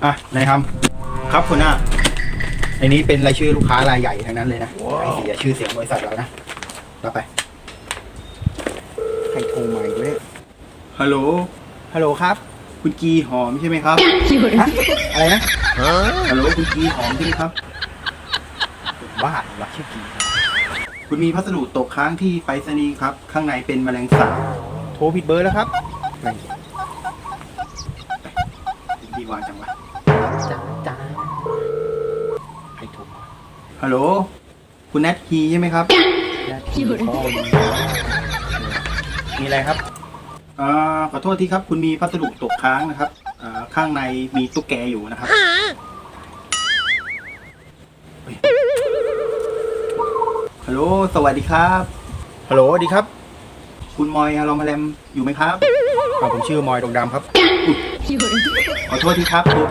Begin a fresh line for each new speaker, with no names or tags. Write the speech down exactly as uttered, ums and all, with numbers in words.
อ่ะนายครับครับคุณหน้าในนี้เป็นรายชื่อลูกค้ารายใหญ่ทั้งนั้นเลยนะไอ้เสียชื่อเสียงบริษัทเรานะรับไปใครโทรมาอีกเนี่ยฮัลโหลฮัลโหลครับคุณกีหอมใช่ไหมครับฮะอะไรนะฮัลโหลคุณกีหอมใช่ไหมครับบ้าหรอชื่อกีคุณมีพัสดุตกค้างที่ไปรษณีย์ครับข้างในเป็นแมลงสาบโทรผิดเบอร์แล้วครับดีวางจังวะจ้าจ้าใครโทรฮัลโหลคุณแนทฮีใช่ไหมครับแนทฮีพ่อมีอะไรครับอ่าขอโทษทีครับคุณมีพัสดุตกค้างนะครับอ่าข้างในมีตุ๊กแกอยู่นะครับฮัลโหลสวัสดีครับฮัลโหลสวัสดีครับคุณมอยอารอมแรมอยู่ไหมครับผมชื่อมอยดงดำครับขอโทษทีครับ